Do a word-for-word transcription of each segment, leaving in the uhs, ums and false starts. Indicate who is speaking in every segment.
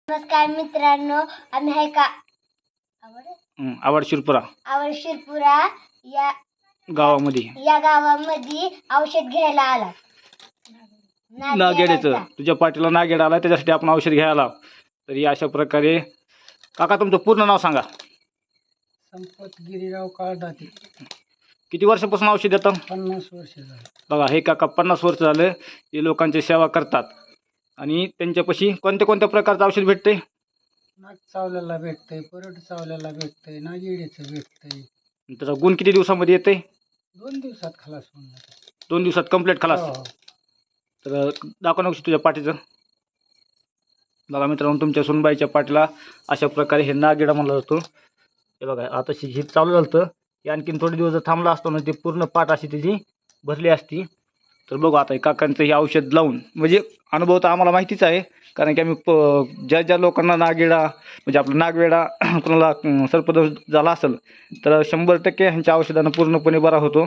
Speaker 1: नमस्कार मित्रांनो, आम्ही आहे का आवड
Speaker 2: हं, आवड शिरपुरा
Speaker 1: आवड शिरपुरा या
Speaker 2: गावामध्ये
Speaker 1: या गावामध्ये औषध घ्यायला आला.
Speaker 2: नागेड्याचं तुझ्या पाठीला नागेड आला, त्याच्यासाठी आपण औषध घ्यायला आलो. तरी अशा प्रकारे काका तुमचं पूर्ण नाव सांगा.
Speaker 3: संपत गिरीराव काळदाते.
Speaker 2: किती वर्षापासून औषध देतं?
Speaker 3: पन्नास वर्ष झाले.
Speaker 2: बघा, हे काका पन्नास वर्ष झालं ते लोकांची सेवा करतात. आणि त्यांच्यापाशी कोणत्या कोणत्या प्रकारचं औषध भेटते?
Speaker 3: नाग चावल्याला भेटतंय, परट चावल्याला भेटतंय, नागिडीचं भेटतंय.
Speaker 2: त्याचा गुण किती दिवसामध्ये येते?
Speaker 3: दोन दिवसात खलास होऊन जातं.
Speaker 2: दोन दिवसात कंप्लीट खलास.
Speaker 3: हो.
Speaker 2: तर दाखव ना तुझ्या पाठीचं. बघा मित्रांनो, तुमच्या सुनबाईच्या पाठीला अशा प्रकारे हे नागिडा म्हणलं जातो. हे बघा, आता हे चालू झालं होतं, हे आणखीन थोडे दिवस जर थांबला असतो ना, ते पूर्ण पाठ अशी त्याची भरली असती. तर बघू आता हे काकांचं हे औषध लावून, म्हणजे अनुभव तर आम्हाला माहितीच आहे, कारण की आम्ही प ज्या ज्या लोकांना नागेडा म्हणजे आपला नागवेडा कोणाला सर्पदोष झाला असेल तर शंभर टक्के ह्यांच्या औषधानं पूर्णपणे बरा होतो.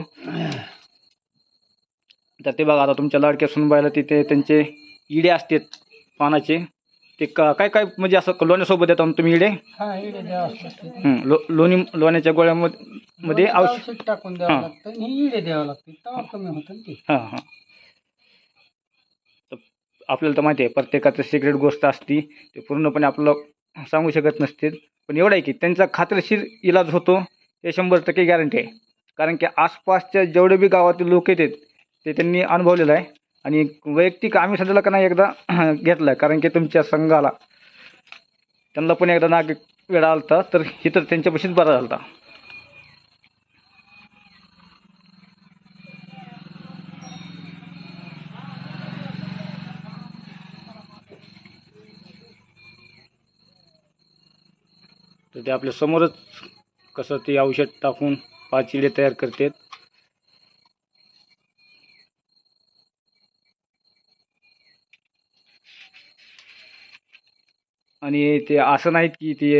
Speaker 2: तर ते बघा, आता तुमच्या लाडक्या सुनबाईला तिथे त्यांचे इडे असतात पानाचे, ते का काय काय म्हणजे असं लोण्यासोबत येतात ना तुम्ही इडे?
Speaker 3: हा, इडे द्यावं लागतं.
Speaker 2: हं, लो लोणी लोण्याच्या गोळ्यामध्ये मध्ये औषध
Speaker 3: औषध टाकून द्यावं लागतं आणि इडे द्यावं लागतं, तेव्हा कमी होतं ना ते.
Speaker 2: हां हां. तर आपल्याला तर माहिती आहे प्रत्येकाचं सिक्रेट गोष्ट असती, ते पूर्णपणे आपल्याला सांगू शकत नसते. पण एवढं आहे की त्यांचा खात्रीशीर इलाज होतो, हे शंभर टक्के गॅरंटी आहे. कारण की आसपासच्या जेवढे बी गावातील लोक येतात ते त्यांनी अनुभवलेलं आहे. आणि वैयक्तिक आम्ही सध्याला का नाही एकदा घेतला आहे, कारण की तुमच्या संघाला त्यांना पण एकदा नाग वेळा आला होता, तर हे तर त्यांच्यापाशीच बरा झाला होता. तर ते आपल्या समोरच कसं ते औषध टाकून पाच इडे तयार करतात. आणि ते असं नाहीत की ते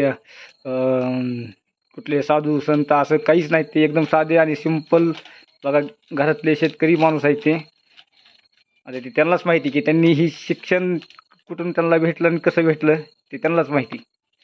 Speaker 2: कुठले साधू संत असं काहीच नाहीत, ते एकदम साधे आणि सिंपल. बघा, घरातले शेतकरी माणूस आहेत ते. आता ते त्यांनाच माहिती की त्यांनी ही शिक्षण कुठून त्यांना भेटलं आणि कसं भेटलं ते त्यांनाच माहिती.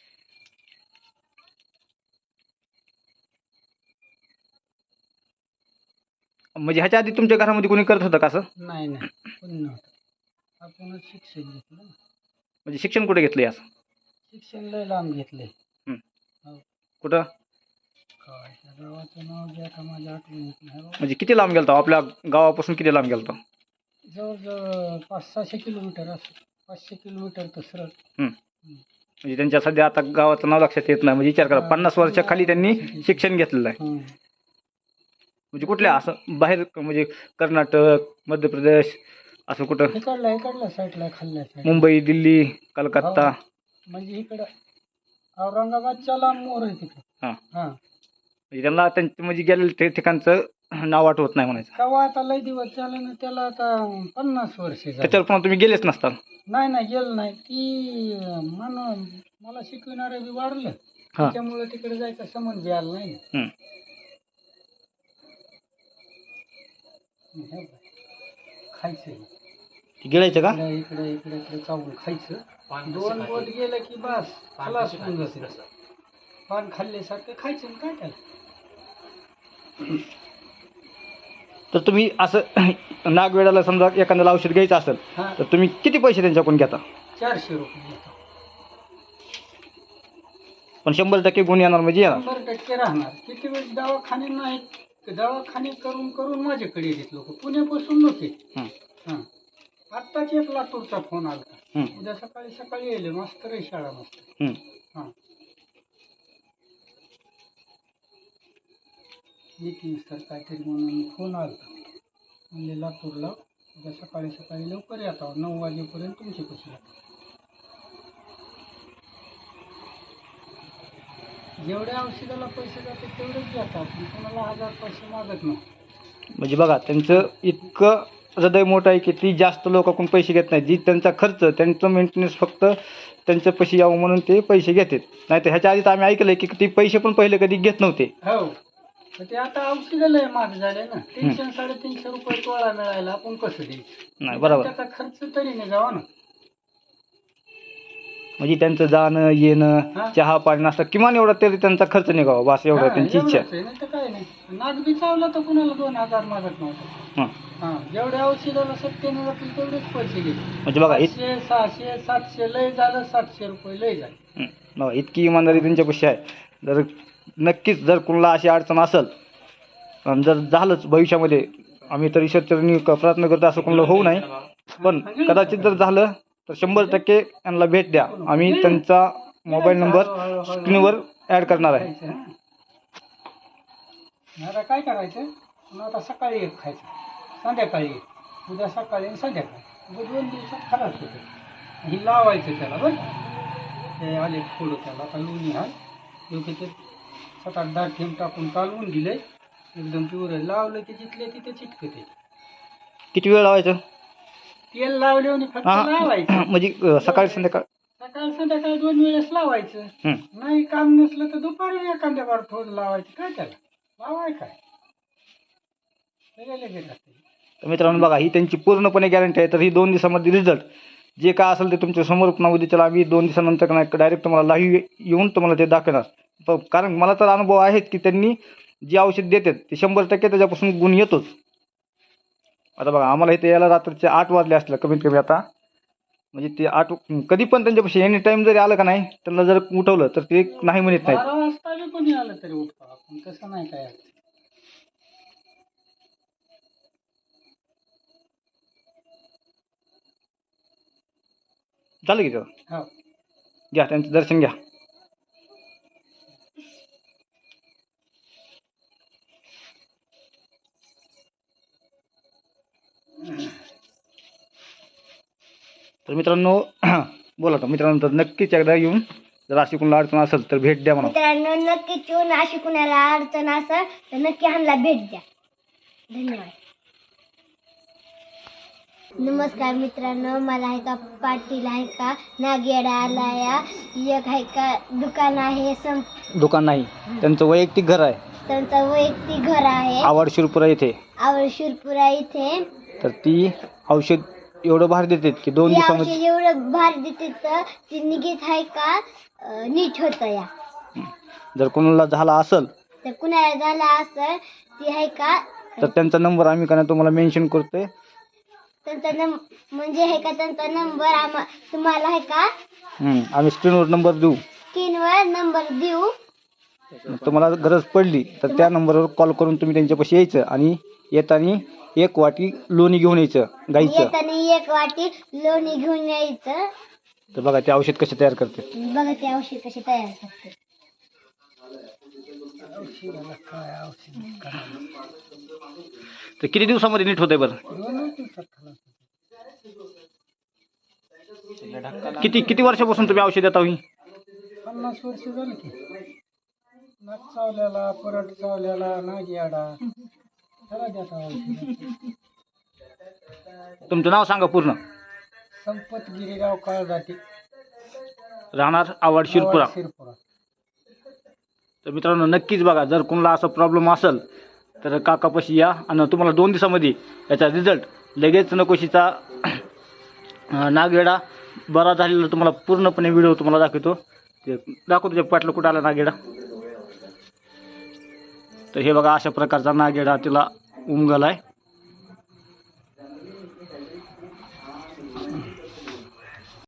Speaker 2: म्हणजे ह्याच्या आधी तुमच्या घरामध्ये कोणी करत होतं का असं?
Speaker 3: नाही नाही, कोणी नव्हतं. आपणच शिक्षण घेतलं ना.
Speaker 2: म्हणजे शिक्षण कुठे घेतलं असं?
Speaker 3: शिक्षण लय लांब घेतलंय.
Speaker 2: हं.
Speaker 3: हो.
Speaker 2: कुठं?
Speaker 3: काय त्या गावाचं नाव जे आता माझ्या आठवण येत नाही. हो.
Speaker 2: म्हणजे किती लांब गेलता? आपल्या गावापासून किती लांब गेलता?
Speaker 3: जवळजवळ पाच सहाशे किलोमीटर असं, पाचशे किलोमीटर तर सरळ.
Speaker 2: हं. म्हणजे त्यांच्या सध्या आता गावाचं नाव लक्षात येत नाही. म्हणजे विचार करा, पन्नास वर्षाखाली त्यांनी शिक्षण घेतलेलं आहे.
Speaker 3: हं.
Speaker 2: म्हणजे कुठल्या असं बाहेर म्हणजे कर्नाटक, मध्य प्रदेश असं कुठं?
Speaker 3: इकडला इकडल्या साईडला खाल्ल्या साईड.
Speaker 2: मुंबई, दिल्ली, कलकत्ता.
Speaker 3: म्हणजे इकडं औरंगाबादच्या लांब मोर आहे तिकडं.
Speaker 2: हां.
Speaker 3: हां.
Speaker 2: म्हणजे त्यांना त्यांचं म्हणजे गेलेलं ते ठिकाणचं नाव आठवत नाही म्हणायचं.
Speaker 3: तेव्हा आता लय दिवस झाले ना, त्याला आता पन्नास वर्ष झाली.
Speaker 2: त्याच्यावर पण तुम्ही गेलेच नसता.
Speaker 3: नाही नाही, गेलं नाही. ती मन मला शिकविणारे बी वाढलं, त्याच्यामुळे तिकडे जायचं संबंध बी आला नाही.
Speaker 2: हं.
Speaker 3: हे बघ, खायचं
Speaker 2: गेलायचं का?
Speaker 3: इकडे इकडे इकडे इकडे चावून खायचं. दोन बोट गेलं की बस खलास होऊन जाते. पान खाल्ल्यासारखं खायचं आणि काय त्याला.
Speaker 2: तर तुम्ही असं नागवेडाला समजा एखाद्याला औषध घ्यायचं असेल
Speaker 3: हां,
Speaker 2: तर तुम्ही किती पैसे त्यांच्याकडून घेता?
Speaker 3: चारशे रुपये घेतो.
Speaker 2: पण शंभर टक्के गुण येणार म्हणजे येणार.
Speaker 3: शंभर टक्के राहणार. किती वेळ दवाखाने नाहीत, दवाखाने करून करून माझ्याकडे येतात लोक, पुण्यापासून नव्हते.
Speaker 2: हं.
Speaker 3: हां, आत्ताच एक लातूरचा फोन आला.
Speaker 2: हं.
Speaker 3: उद्या सकाळी सकाळी येईल, मास्तर आहे शाळा मास्तर.
Speaker 2: हं.
Speaker 3: हां, मीटिंग सर काहीतरी म्हणून फोन आला. म्हणजे लातूरला उद्या सकाळी सकाळी लवकर येतो, नऊ वाजेपर्यंत तुमचे पैसे येतात. जेवढ्या औषधाला पैसे जातात तेवढेच घेतात, आपण कोणाला हजार पैसे मागत नाही.
Speaker 2: म्हणजे बघा, त्यांचं इतकं हृदय मोठं आहे की ती जास्त लोकांकडून पैसे घेत नाहीत. जी त्यांचा खर्च, त्यांचं मेंटेनन्स फक्त त्यांच्या पैसे यावं म्हणून ते पैसे घेतात. नाही तर ह्याच्या आधी तर आम्ही ऐकलं की ते पैसे पण पहिले कधी घेत नव्हते.
Speaker 3: हो, तर ते आता औषधं लय महाग झाले ना. तीनशे साडेतीनशे रुपये तोळा मिळायला आपण कसं द्यायचं?
Speaker 2: नाही, बरोबर.
Speaker 3: त्याचा खर्च तरी नाही जावा ना.
Speaker 2: म्हणजे त्यांचं जाणं येणं
Speaker 3: हा.
Speaker 2: चहा पाणी नाश्ता किमान एवढा तरी त्यांचा खर्च निघावा बस एवढा
Speaker 3: हा,
Speaker 2: त्यांची इच्छा
Speaker 3: एवढंच आहे, नाही तर काय नाही. नाग बी चावला तर कुणाला दोन हजार मागत नव्हतं.
Speaker 2: हां
Speaker 3: हा, जेवढ्या औषधाला सत्याने जातील तेवढेच पैसे गेले.
Speaker 2: म्हणजे बघा इत
Speaker 3: पाचशे सहाशे सातशे लय झालं, सातशे रुपये लय झाले.
Speaker 2: हं, बघा इतकी इमानदारी त्यांच्यापाशी आहे. जर नक्कीच जर कुणाला अशी अडचण असेल आणि जर झालंच भविष्यामध्ये आम्ही तर ईश्वरचरणी क- प्रार्थना करतो असं कोणाला होऊ नये, पण कदाचित जर झालं तर शंभर टक्के यांना भेट द्या. आम्ही त्यांचा मोबाईल नंबर स्क्रीनवर ॲड करणार आहे.
Speaker 3: खायचं, हा. आता काय करायचं, मग आता सकाळी एक खायचं, संध्याकाळी एक, उद्या सकाळी आणि संध्याकाळी, मग दोन दिवसात खराब होतं. ही लावायचं त्याला बरं का. हे आले थोडं त्याला आता लोणी आहे योग्य ते सात आठ दहा थेंब टाकून कालवून दिले, एकदम पिवरं लावलं की जिथले तिथे चिटकते.
Speaker 2: किती वेळ लावायचं?
Speaker 3: तेल लावले आणि फक्त
Speaker 2: हां
Speaker 3: लावायचं.
Speaker 2: म्हणजे अं, सकाळी संध्याकाळ
Speaker 3: सकाळ संध्याकाळी दोन वेळेस लावायचं.
Speaker 2: हं.
Speaker 3: नाही काम नसलं तर दुपारी एखाद्या बार थोडं लावायचं. काय त्याला लावाय काय लगेच लगेच असते.
Speaker 2: तर मित्रांनो बघा ही त्यांची पूर्णपणे गॅरंटी आहे. तर ही दोन दिवसामध्ये रिझल्ट जे काय असेल ते तुमच्या समोर पुन्हा उद्याच्याला आम्ही दोन दिवसानंतर नाही डायरेक्ट तुम्हाला लाईव्ह येऊन तुम्हाला ते दाखवणार. प- कारण मला तर अनुभव आहेत की त्यांनी जे औषध देतात ते शंभर टक्के त्याच्यापासून गुण येतोच. आता बघा आम्हाला इथे यायला रात्रीचे आठ वाजले असलं कमीत कमी आता, म्हणजे ते आठ कधी पण त्यांच्यापाशी एनी टाईम जरी आलं का नाही त्यांना जर उठवलं तर ते नाही म्हणत नाहीत.
Speaker 3: बारा वाजता बी कोणी आलं तरी उठतो आपण, तसं नाही काय.
Speaker 2: झालं की तेव्हा
Speaker 3: हो.
Speaker 2: घ्या त्यांचं दर्शन घ्या. तर मित्रांनो बोला तर मित्रांनो तर नक्कीच एकदा येऊन जर अशी कोणाला अडचण असेल तर भेट द्या म्हणा.
Speaker 1: मित्रांनो नक्कीच येऊन अशी कुणाला अडचण असेल तर नक्की ह्यांना भेट द्या. धन्यवाद. नमस्कार मित्रांनो, मला आहे का पाटील आहे का नागेडा आलाया एक आहे का दुकान आहे सं
Speaker 2: दुकान नाही त्यांचं वैयक्तिक घर आहे
Speaker 1: त्यांचं वैयक्तिक घर आहे
Speaker 2: आवाड शिरपुरा येथे.
Speaker 1: आवड शिरपुरा इथे.
Speaker 2: तर ती औषध एवढं भारी देतात की दोन
Speaker 1: ती
Speaker 2: दिवसामध्ये
Speaker 1: औषध एवढं भारी देते तर ती निघत आहे का अं, नीट होतं या.
Speaker 2: जर कोणाला झाला असेल
Speaker 1: तर कुणाला झाला असं ती आहे का
Speaker 2: तर त्यांचा नंबर आम्ही का नाही तुम्हाला मेन्शन करतोय.
Speaker 1: त्यांचा नंब म्हणजे आहे का त्यांचा नंबर आम्हा तुम्हाला आहे का
Speaker 2: हम्म, आम्ही स्क्रीनवर नंबर देऊ.
Speaker 1: स्क्रीनवर नंबर देऊ.
Speaker 2: मग तुम्हाला गरज पडली तर त्या नंबरवर कॉल करून तुम्ही त्यांच्यापाशी यायचं आणि येताना एक वाटी लोणी घेऊन यायचं गाईचं.
Speaker 1: येताना एक वाटी लोणी घेऊन यायचं.
Speaker 2: तर बघा ते औषध कसे तयार करते.
Speaker 1: बघा ते औषध कसे तयार करते.
Speaker 3: औषधाला काय औषध करायचं?
Speaker 2: तर किती दिवसामध्ये नीट होतंय बरं?
Speaker 3: दोनच दिवसात खलास होतं.
Speaker 2: किती किती वर्षापासून तुम्ही औषध देता ही?
Speaker 3: पन्नास वर्ष झालं की. नाक चावल्याला, परट चावल्याला, नागी आडा त्याला देता औषध.
Speaker 2: तुमचं नाव सांगा पूर्ण.
Speaker 3: संपत गिरीगाव काळ जाते
Speaker 2: राहणार आवाड शिरपुरा.
Speaker 3: शिरपुरा.
Speaker 2: तर मित्रांनो नक्कीच बघा जर कोणाला असा प्रॉब्लेम असेल तर काकापाशी या आणि तुम्हाला दोन दिवसामध्ये याचा रिझल्ट लगेच नकोशीचा अं, नागेडा बरा झालेला तुम्हाला पूर्णपणे व्हिडिओ तुम्हाला दाखवतो. ते दाखवतो तुझ्या पाटलं कुठं आला नागेडा. तर हे बघा अशा प्रकारचा नागेडा तिला उमगला आहे.